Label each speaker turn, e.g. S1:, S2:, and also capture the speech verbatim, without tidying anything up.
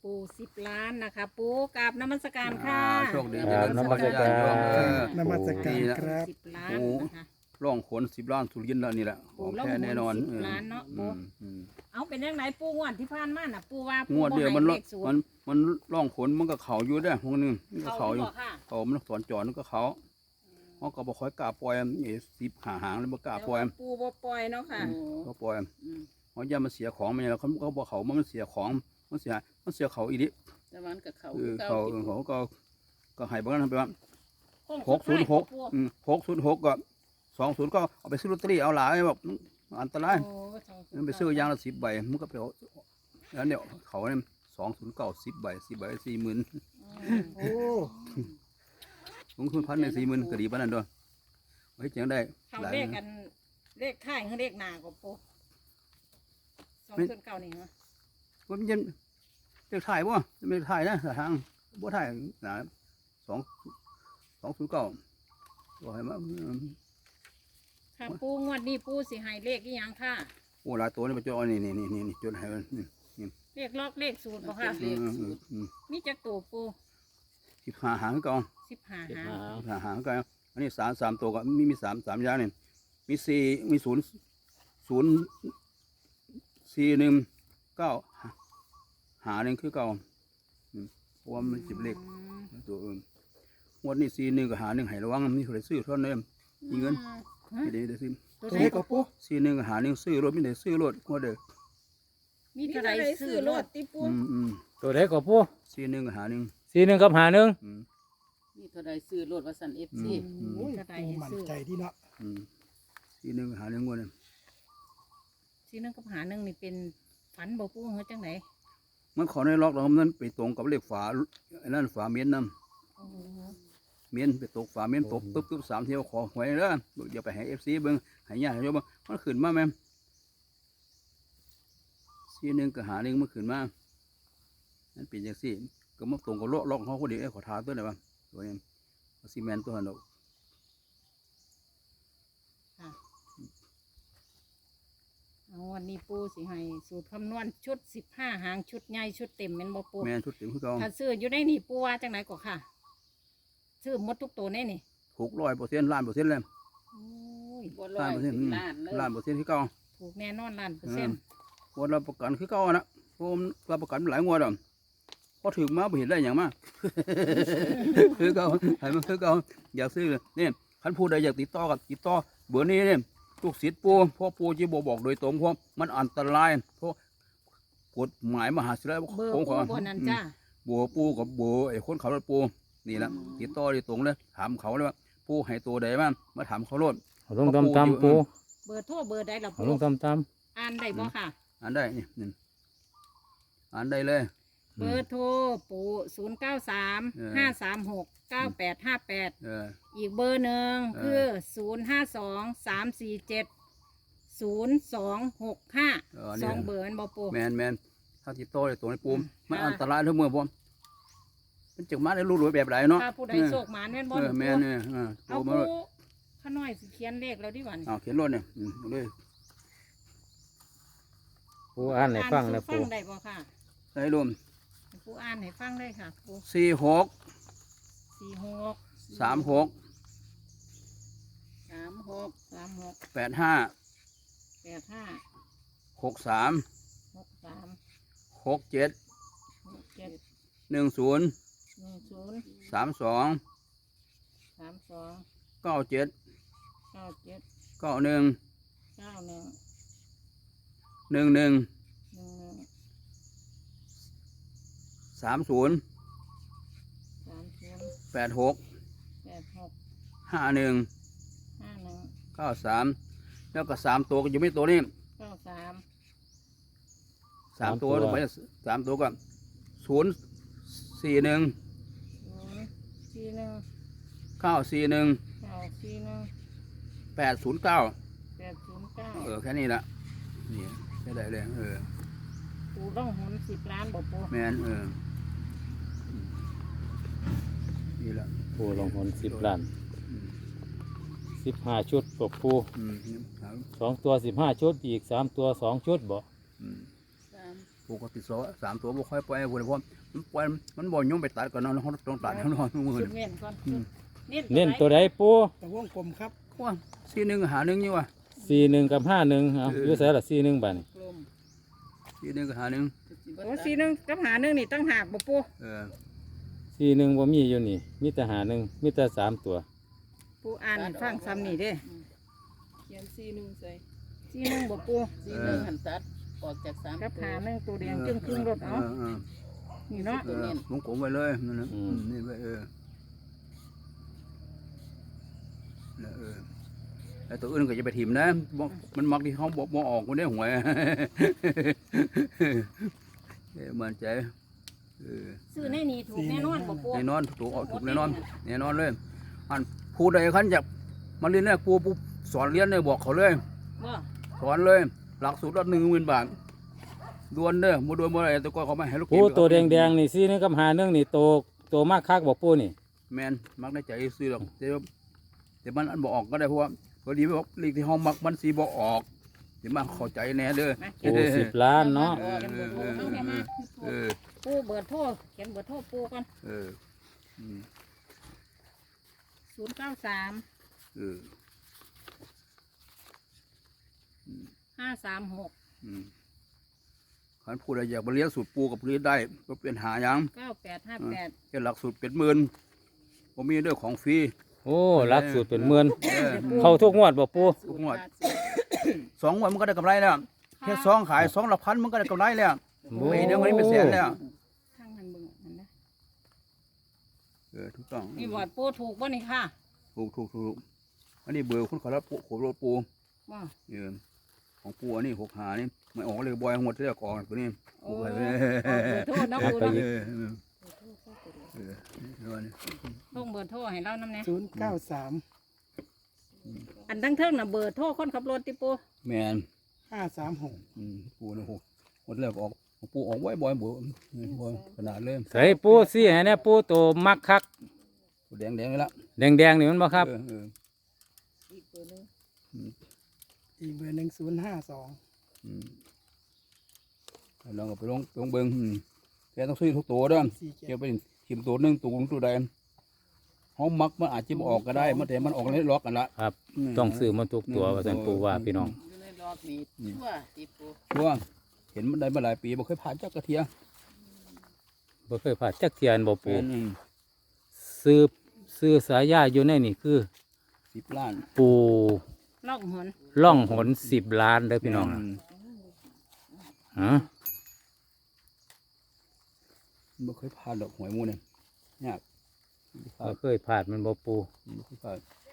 S1: ปูสิบล้านนะคะปูกราบนมัสการค่ะ
S2: โชคดี
S3: ครับนมัสการ
S4: นมัสการครับ
S1: สิบล้านนะคะ
S2: ร่องขนสิบล้านสุรินทร์แล้วนี่แหละของแท้แน่นอน
S1: สิบล้านเนาะ
S2: อืมอืม
S1: เอาเป็นยังไงปูงวดที่ผ่านมาน่ะปูว่าง
S2: วดเดียวมัน
S1: เล
S2: ร่อง
S1: ขศู
S2: มัน น
S1: ย์
S2: มันร่องขนมันก็เขาอยู่ได้พวกนึงมันก็
S1: เขา
S2: เขาอ
S1: อยู่
S2: ยู่
S1: บ่ค่ะ
S2: เขามันสอนจอมันก็เขาเขาก็บอกคอยกล้าปล่อยเอสิบหาหางแล้วบ่กล้าปล่อย
S1: ปูบ่ปล่อยเนาะค่ะ
S2: ก็ปล่อยเขาอย่ามาเสียของมันแล้วเขาเขาบอกเขามันเสียของมันเสียมันเสียเขาอีดิ
S5: แต่มันกับเขา
S2: เออ
S5: เก่า
S2: เขา
S5: ที่
S2: เขาก็ก็ให้บ้านทำไปว่า หก
S1: สุ
S2: ศู
S1: ด
S2: นย์หก
S1: ปู
S2: หกศูนย์หกก็สองศูนย์ก็เอาไปซื้อลอตเตอรี่เอาหลายแบบอันตราย
S1: โอ้สงศูน
S2: มัน
S1: ย์
S2: ไปซื้อยางละสิบใบมันก็ไปเอาแล้วเนี่ยเขาเนี่ยสองศูนย์เก้าสิบใบสิบใบสี่หมื่น
S4: โอ้
S2: ลงทุนพันในสี่หมื่นก็ดีปานนั้นด้วยไว้เจียงได้
S1: เขา
S2: หลาย
S1: เลขกันเลขท้ายคือเลขหน้าก็ปูสองส่วนเก้านี่เหรอ
S2: ว่ามันจะเรียกถ่ายบ่ไม่ถ่ายนะทางบ่ถ่ายนะสองสองศูนย์เก้าว่าให้มา
S1: ค่ะปูงวดนี้ปูสิให้เลขกี่ยังค่ะ
S2: โอ้หลายตัวนี่ไปจดนี่นี่นี่นี่นี่จดให้มันนี่
S1: เลขลอกเลขสูตรบ่ค่ะ
S2: อืมอืมอืม
S1: มีจักตัวปู
S2: สิบห้าหางก่อน
S1: สิบห้า
S3: สิบ
S1: หาง
S3: ห้า
S2: หาหางกันอันนี้สามสามตัวก็มีมีสามสามอย่างนี่มีสี่มีศูนย์ศูนย์สี่หนึ่งเก้าหาหนึ่งคือเก้าอืมเพราะว่ามันจิบเลขตัวอื่นงวดนี้สี่หนึ่งกับหาหนึ่งให้ระวังมีคนได้ซื้อเท่านั้นมีเงินไม่ได้ได้ซื้อ
S1: ตัว
S4: ตัว
S1: ไหน
S4: นี้
S1: ก็
S4: ก็ปู
S2: สี่หนึ่งกับหาหนึ่งซื้อรถไม่ได้ซื้อรถงวดเด้อ
S1: มีเท่าไรซื้อรถติปู
S2: อืมอืม
S3: ตัวเด็กกับปู
S2: สี่หนึ่งกับหาหนึ่ง
S3: สี่หนึ่งกับหาหนึ่ง
S2: อืม
S5: นี่เท่าใดซื้อรถวัสันเอฟ
S2: อื
S5: ซี
S2: มอืม
S4: โอ้ย
S1: เท่าไร
S4: ปู
S1: ให้
S4: มั่น
S1: ซื้อ
S4: ใจที่เนาะ
S2: อืมสี่หนึ่งกับหาหนึ่งงวดเนี่ย
S1: ซื้อนึงกับหาหนึ่งนี่เป็นฝันบ่ปูเฮาจังไหน
S2: มันขอในล็อกเรามันไปตรงกับเลขฝาไอ้นั่นฝาเมียนนำ
S1: โอ้
S2: เมียนไปตกฝาเมียนตกปึ๊บปึ๊บสามเที่ยวขอหวยเด้ออย่าไปให้เอฟซีเบิ้งให้ญาติโยมมันขึ้นมาแม่ซีหนึ่งก็หาหนึ่งมันขึ้นมานั่นเป็นอย่างสี่ก็มาตรงกับโลกล็อกเขาคนเดียวไอ้ขอทาตัวไหนบ้างตัวนี้ซีเมนตัวหันดอก
S1: เอาวันนี้ปูสิให้สูตรคำนวณชุดสิบห้าหางชุดใหญ่ชุดเต็มแม่นบ่ปู
S2: แม่นชุดเต็มคือเก่า
S1: ถ้าซื้ออยู่ในนี่ปูว่าจังไหนก็ค่ะ ซื้อหมดทุกตัวในนี่
S2: หกร้อยเปอร์เซ็นต์ล้านเปอร์เซ็นต์เลย
S1: โอ้ย
S5: บ่ร้
S2: ล้า
S5: อน ย
S2: เปอร์เซ็นต์
S5: ถึงล้านเลย
S2: ล้านเปอร์เซ็นต์คือเก่า
S1: ถูกแน่นอนล้านเปอร์เซ็นต์
S2: งวดเราประกันคือเก่าอะนะเพราะมันเราประกันหลายงวดอ่ะพอถึงมาไม่เห็นได้อย่างมาก คือเก่าให้มันคือเก่าอยากซื้อเลยนี่คันพูดใดอยากติดต่อกับติดต่อเบอร์นี้เนี่ยลูกศิษย์ปูเพราะปูจะบอกบอกโดยตรงเพราะมันอันตรายเพราะกฎหมายมหาศิลป์
S1: เบอร์
S2: ข
S1: ปู
S2: องเขา
S1: บนนั้นจ้า
S2: บัวปูกับบัวไอ้คนขับรถปูนี่แหละติดต่อโดยตรงเลยถามเขาเลยว่าปูให้ตัวใดบ้างมาถามเขาโลด
S3: เอาลงตำตำปู
S1: เบอร์โทรเบอร์ใดล่ะ
S3: เอา
S1: ปู
S3: ลงตำต
S1: อ่านได้บ่ค่ะ
S2: อ่านได้นี่นี่อ่านได้เลย
S3: ำ
S1: เบอร์โทรปูศูนย์เก้าสาม
S2: เออ
S1: ห้าสามหกเก้าแปดห้าแปด
S2: เออ
S1: อีกเบอร์หนึ่ง
S2: เออ
S1: คือศูนย์ห้าสองสามสี่เจ็ดศูนย์สองหกห้า
S2: เออ
S1: ส
S2: นี่
S1: องเบอร์แม่นบ่ปู
S2: แมนแมนถ้าติดต่อโดยตรงในปู
S1: อืม
S2: มัน
S1: ค่ะ
S2: อันตรายทั้งเมืองผมมันจึงมาได้รู้รวยแบบไรเนาะ
S1: ถ้าผู้ใด
S2: เออ
S1: โชคหมานแม่นบ่
S2: เออ
S1: ปู
S2: แมนเนี่ยเออโทร
S1: เอา
S2: มา
S1: ปู
S2: เลย
S1: ข้าน้อยสิเขียนเลขแล้วดิวัน
S2: เอาเขียนรถเนี่ยอืมเอาเลย
S3: ปูอ่านให้ฟังนะ
S1: ฟั
S3: ปู
S1: งได้บ่ค่ะ
S2: ใส่รวม
S1: ให้ปูอ่านให้ฟังได้ค่ะปู
S2: สี่หก
S1: สี่หก
S2: สามหก
S1: สามหกสามหก
S2: แปดห้า
S1: แปดห้า
S2: หกสาม
S1: หกสาม
S2: หกเจ็ด
S1: หกเจ็ด
S2: หนึ่งศูนย์
S1: หนึ่งศูนย์
S2: สามสอง
S1: สามสอง
S2: เก้าเจ็ด
S1: เก้าเจ็ด
S2: เก้าหนึ่ง
S1: เก้าหนึ่ง
S2: หนึ่งหนึ่ง
S1: หนึ่งหนึ่ง
S2: สามศูนย์
S1: สามศูนย์
S2: แปดหก
S1: แปดหก
S2: ห้าหนึ่ง
S1: ห้าหนึ่ง
S2: เก้าสามแล้วก็สามตัวก็อยู่ไม่ตัวนี้
S1: เก้าสาม
S2: สามตัวลงไปสามตัวก็ศูนย์สี่หนึ่ง
S1: ศูนย์สี่หนึ่ง
S2: เก้าสี่หนึ่ง
S1: เก้าสี่หนึ่ง
S2: แปดศูนย์เก้า
S1: แปดศูนย์เก้า
S2: เออแค่นี้ละนี่ใช่ได้เลยเออ
S1: ปูต้องหุนสิบล้านบ่ปู
S2: แมนเออนี่ละ
S3: ปูลงหนสิบล้าน
S2: อืม
S3: สิบห้าชุดปกปู
S2: อืมครับ
S3: สองตัวสิบห้าชุดอีกสามตัวสองชุดบ่
S2: อืม
S5: สาม
S2: ปกติสองสามตัวบ่ค่อยปล่อยพุ่นเพราะมันปล่อยมันบ่ยุ่งไปตัดก่อนเนาะเฮาต้องตัดเฮาเนาะมือ
S1: ชุด
S2: นี่
S1: เน้นก่อน
S2: อืม
S3: เน้นตัวใดปู
S4: แต่วงกลมครับ
S2: ว่าสี่หนึ่งหาหนึ่งอยู่ว่ะ
S3: สี่หนึ่งกับห้าหนึ่งเอา
S2: เออ
S3: อยู่ใส่ละสี่หนึ่งบาทนี่
S5: กลม
S2: สี่หนึ่งหาหนึ่ง
S5: จะสิบ่
S1: โอ้
S5: ตัด
S1: สี่หนึ่งกับหาหนึ่งนี่ตั้งหากบ่ปู
S2: เออ
S3: สี่หนึ่งบ่มีอยู่นี่มีแต่หาหนึ่งมีแต่สามตัว
S1: ปูอ่านให้ฟังซ้ำนี่เด้
S5: อืมเขียนสี่หนึ่งใส่
S1: สี่หนึ่งบ่ปู
S5: สี่หนึ่งหันตัดออกจากสาม
S1: กับ
S5: ตัว
S1: หาหนึ่งตัวแดงจึงครึ่งรถเอา
S2: เออเออ
S1: นี่เนาะ
S2: เออวงกลมไว้เลยนั่นนะอืมนี่ไว้เออแล้วเออแล้วตัวอื่นก็จะไปถิ่มนะบ่มันมักที่เขาบอกบ่ออกคนได้หวย เออมันใจเออ
S1: ซื้อในนี่ถูกแน่นอนบ่ปู
S2: แน่นอนถูกออกถูกแน่นอนแน่นอนเลยอันผู้ใดขันจะมาเรียนเนี่ยปูปูสอนเรียนเลยบอกเขาเลย
S1: บ่
S2: สอนเลย หลักสูตรละหนึ่งหมื่นบาทดวนเด้อบ่ดวนบ่อะไรแต่ก็เขาไม่ให้ลูก
S3: ปูตัวแดงแดงๆนี่สี่หนึ่งกับห้าหนึ่งนี่โตโตมากคักบอกปูนี่
S2: แมนมักได้ใจซื้อหรอกแต่ว่าแต่มันอันบ่ออกก็ได้เพราะว่าพอดีบอกเลขที่ห้องมักมันสีบ่ออกเดี๋ยวมาเข้าใจแน่เด้อ
S1: มา
S3: ปูสิบล้านเนาะ
S2: เออเออเออเออ
S1: ปูเบิดโทรเขียนเบิดโทรปูก่อน
S2: เอออืม
S1: ศูนย์เก้าสาม
S2: เออ
S1: ห้าสามหก
S2: อืมขันผู้ใดอยากมาเรียนสูตรปูกับเรียนได้ก็เป็นหาหยัง
S1: เก้าแปดห้าแปด
S2: แค่หลักสูตรเป็นหมื่นผมมีด้วยของฟรี
S3: โอ้รักสูตรเป็นหมื่น
S2: เออ
S3: เข้าทุกงวดบอกปู
S2: ทุกงวด สองวันมันก็ได้กำไรแล้วแค่สองขายสองละพันมันก็ได้กำไรแล้ว
S3: โอ้
S2: ปีเดียวมันเป็นแสนแล้ว
S1: ทางนั้นเบิ่งอันนะ
S2: เออถูกต้อง
S1: นี่บอดปูถูกบ่นี่ค่ะ
S2: ถูกถูกถูกอันนี้เบอร์คุณขอรับปูขอรถปู
S1: บ่
S2: เออของปูอันนี้หกหานี่ไม่ออกเลยบอยหมดเลยก่อนตัวนี้
S1: โอ้
S2: ปูไป
S1: เ
S2: เลย
S1: บิดโทรเนาะปู
S2: เอ
S1: เนาะ
S2: อเออเออเออนี่
S1: ต้องเบิดโทรให้เรานำแน่
S4: ศูนย์เก้าสาม
S1: อันทั้งเทิงน่ะเบิดโทรคนขับรถติปู
S2: แมน
S4: ห้าสามหก
S2: อืมปูนี่หกหมดแล้วก็ออกของปูออกไว้บ่อยบ่บ่อยขนาดเลย
S3: ใส่ปูสี่ให้เนี่ยปูโตมักคัก
S2: ปูแดงแดงเลยละ
S3: แดงแดงๆนี่มันบ่ครับ
S2: เออเออ
S5: อีกตัวหนึง
S4: อีกเบอร์หนึ่งศูนย์ห้าสอง
S2: อืมลองเอาไปลงลงเบิ้งอืมแกต้องซื้อทุกตัวเด้อ
S4: สี่เจ็ด
S2: เกี่ยวไปชิมตัวหนึ่งตัวหนึ่งตัวใดห้องมักมันอาจจะบ่ออกก็ได้มันแต่มันออกในล็อกกันละ
S3: ครับ ต้องซื้อมาทุกตัวว่าสันปูว่าพี่น้อง
S5: อยู่ในรอบนี้ชั่วติปู
S2: ชัวร์เห็นมันได้มาหลายปีบ่เคยผ่านจักกระเทีย
S3: บ่เคยผ่านจักเทียนบ่ปู
S2: เป็น
S3: ซื้อซื้อสายยาอยู่ในนี่คือ
S2: สิบล้าน
S3: ปู
S1: ล่องหน
S3: ล่องหนสิบล้านเด้อพี่น้อง
S2: ม
S3: ฮะ
S2: บ่เคยผ่านดอกหวยหมูเนี่ยยากบ่
S3: บ่เคยผ่านมันบ่ปู
S2: เคยผ่าน